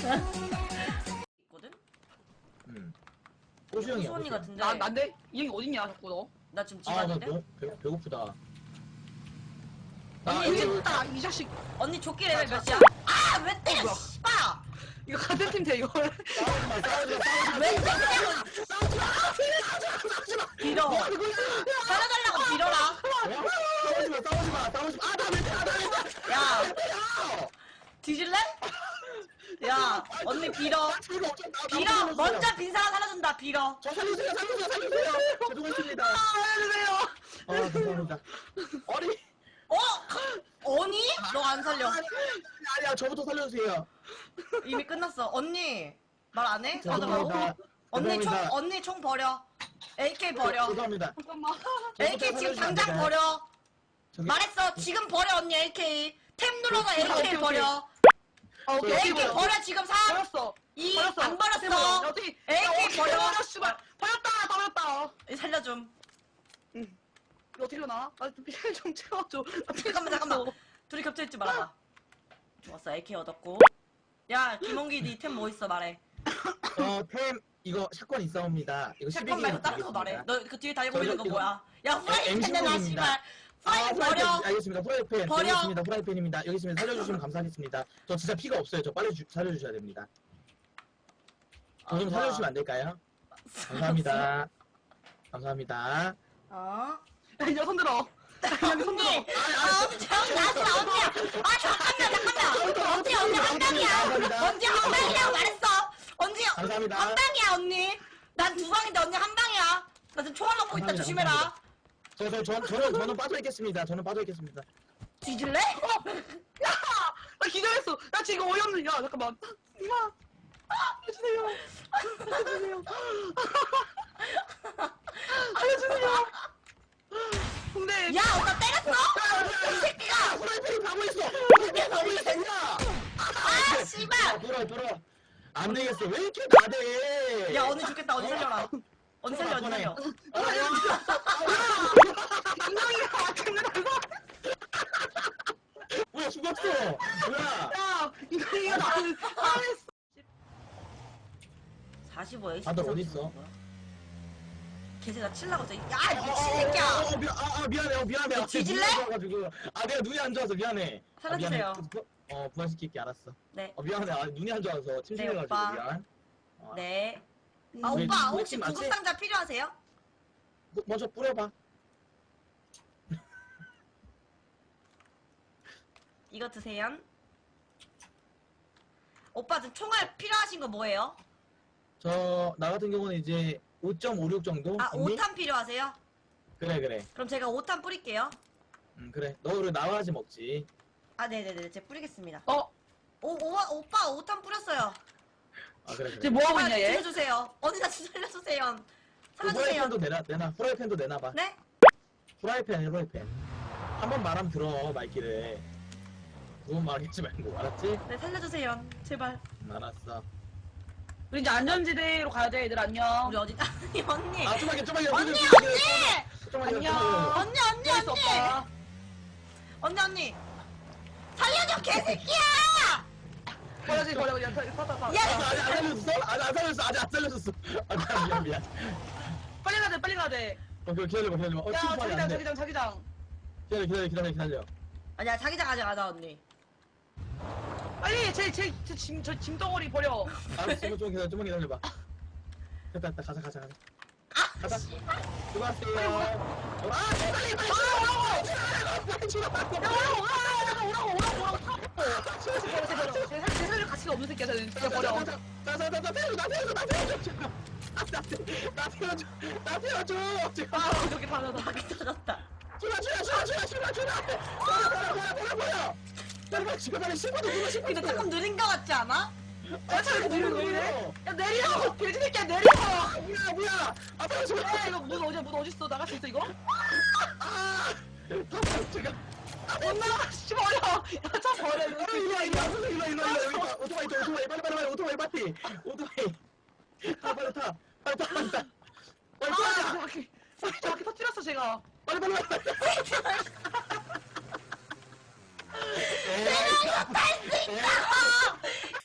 있거든? 호수 형이 호수 언니 같은데. 난데? 이 형이 어딨냐 자꾸 너? 나 지금 집 아, 나 왔는데? 배고프다. 언니 여기 있다 이 자식. 언니 조끼 레벨 몇이야? 아! 왜 때려 뭐야? 씨발! 이거 같은 팀 돼 이거. 왜 때리냐고! 빌어! 살려달라고 빌어라! 싸우지마. 야! 뒤질래? 야! 언니 빌어! 빌어! 먼저 빈 사람 살려준다 빌어! 저 살려주세요. 죄송합니다. 알려주세요. 죄송합니다. 어리. 어? 언니? 너 안 살려. 아니야, 저부터 살려주세요. 이미 끝났어. 언니 말 안 해? 죄송합니다. 언니 총 버려. AK 버려. 죄송합니다. 잠깐만. AK 지금 당장 버려. 말했어. 지금 버려 언니 AK. 탭 눌러서 AK 버려. 오케이. AK 버려 지금 3, 버렸어. 2, 버렸어. 안 버렸어. 어떻게? AK 버려. 씨발. 버렸다. 살려줌. 이거 어떻게 일어나? 나좀 채워줘. 잠깐만. 둘이 겹쳐있지 말아봐. 좋았어. AK 얻었고. 야 김홍기 니 템 뭐 있어 말해. 템 이거 샷건 있사옵니다. 이거 샷건 12개만 말고 다른 거 말해. 너 그 뒤에 달고 있는 거 이거- 뭐야? 야 후라이팬 내놔 M16입니다. 씨발. 프라이팬 버려. 알겠습니다. 후라이팬. 버려. 여기 있습니다. 후라이팬입니다. 여기 있으면 살려주시면 감사하겠습니다. 저 진짜 피가 없어요. 저 빨리 살려주셔야 됩니다. 저 좀 살려주시면 안 될까요? 감사합니다. 감사합니다. 어? 야, 손 들어. 언니! 언니 나왔어 언니야! 아 잠깐만! 언니 한방이야! 언니 한방이라고 말했어! 언니 감사합니다. 한방이야 언니! 난 두 방인데 언니 한방이야! 나 지금 총알 먹고 있다 감사합니다. 조심해라! 저는 빠져있겠습니다. 저는 빠져있겠습니다. 뒤질래? 야! 나 기절했어. 나 지금 어이없는. 야, 잠깐만. 이마. 알려주세요. 알려주세요. 근데 야 오빠 때렸어? 이 새끼가! 후라이팬이 가고 있어. 아 씨발! 돌아. 안 되겠어. 왜 이렇게 나대? 야 언니 죽겠다 언니 살려라 언니 살려 언니 살려 뭐야 죽었어. 뭐야? 야, 이거 나는 살했어. 45 에이스 다들 어딨어? 걔가 칠라고 저 야 미친 새끼야! 미안해. 뒤질래? 내가 눈이 안 좋아서 미안해. 살려주세요. 부활시킬게 알았어. 네. 미안해. 눈이 안 좋아서 침침해가지고 오빠. 미안. 네. 아 우리 오빠 혹시 팀 맞지? 구급상자 필요하세요? 먼저 뿌려봐. 이거 드세요. 오빠 지금 총알 필요하신 거 뭐예요? 나 같은 경우는 이제 5.56 정도. 아 있니? 5탄 필요하세요? 그래. 그럼 제가 5탄 뿌릴게요. 그래. 너 그래 나와야지 먹지. 아 네네네 제가 뿌리겠습니다. 오빠 5탄 뿌렸어요. 그래. 지금 뭐 하고 있냐 얘? 살려주세요. 언니 나 좀 살려주세요. 그 살려주세요. 후라이팬도 내놔. 후라이팬도 내놔봐. 네? 후라이팬. 한 번 말하면 들어 말귀를. 두 번 말하겠지 말고 알았지? 네 살려주세요. 제발. 알았어. 우리 이제 안전지대로 가야 돼, 얘들 안녕. 우리 어디? 아니 언니. 좀만 언니! 안녕. 언니 할 수 없다. 언니. 살려줘 개새끼야! 버려. 타. 야! 아직 안 살려줬어. 미안. 빨리 가야 돼. 기다려봐. 야, 자기장. 기다려. 아니야 자기장 가져가자 언니. 빨리 저 짐덩어리 버려. 알았어. 좀만 기다려봐. 됐다. 가자. 가자. 수고하세요. 제 살릴 가치가 없는 새끼야, 쟤는. 진짜 버려. 나 태워줘. 아, 이렇게 다. 박이 터졌다. 빨리 신고도 누가 근데 조금 느린 거 같지 않아? 야, 저 이렇게 느려, 왜 이래? 야, 내려! 돼지 새끼야, 내려! 뭐야? 빨리 좀. 야, 이거 문 어딨어? 나갈 수 있어, 이거? 못 나가, 씨, 버려! 야, 차 버려, 이거. 일로. 오토바이, 빨리. 오토바이. 빨리 타. 아, 바퀴 터뜨렸어, 제가. 빨리. 내가 이거 탈 수 있다고!